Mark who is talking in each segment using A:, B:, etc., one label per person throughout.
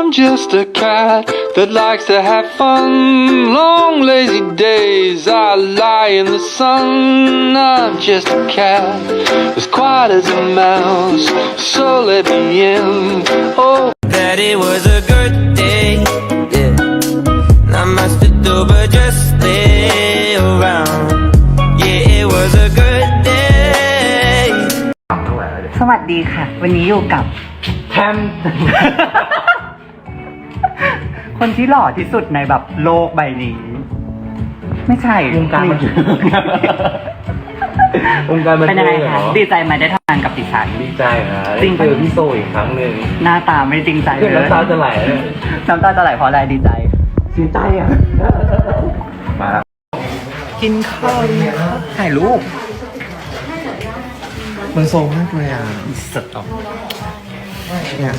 A: just a cat that likes to have fun. Long lazy days I lie in the sun. I'm just a cat as quiet as a mouse, so let me in. Oh,
B: that it was a good day, yeah. Not much to do but just stay around. Yeah, it was a good day.
C: สวัสดีค่ะ วันนี้อยู่กับแทม คนที่หล่อที่สุดในแบบโลกใบนี้ ไม่ใช่วงการบันเทิงวงการบันเทิงเป็นยังไงคะดีใจไหมได้ทำงานกับดิฉัน
D: ดีใจนะ
C: จริง
D: เจอพี่โซอีกครั้งหนึ่ง
C: หน้าตาไม่จริงใจเลย
D: น้ำตาจะไหล
C: น้ำตาจะไหลเพราะอะไรดีใจ
D: ดีใจอ่ะมากินข้าวถ่ายรูปมันโซมากเลยอ่ะสุดอ่ะเนี่ย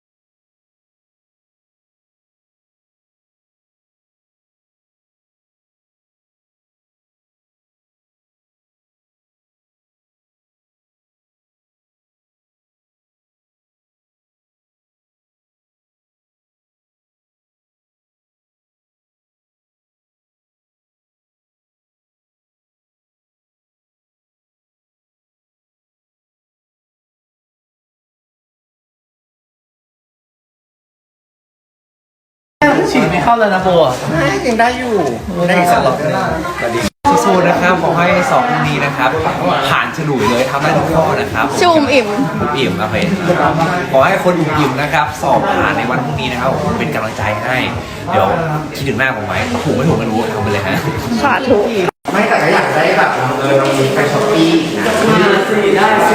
D: ฉีดไม่เข้าแล้วนะโบอ่ะยังได้อยู่ได้อีกสักรอบนึงสู้ๆนะครับขอให้สอบพรุ่งนี้นะครับผ่านฉลุยเลยทำได้ทุกข้อนะครับ
E: ชุ่มอิ่ม
D: ครับเพขอให้คนอิ่มนะครับสอบผ่านในวันพรุ่งนี้นะครับเป็นกำลังใจให้เดี๋ยวคิดถึงหน้าผมไหมถูกไม่ถูกไม่รู้ทำไปเลยฮะ
E: สาธุ
D: ไม่แต่ก็อยากได้แบบเรามีไปช้อปปี้นะ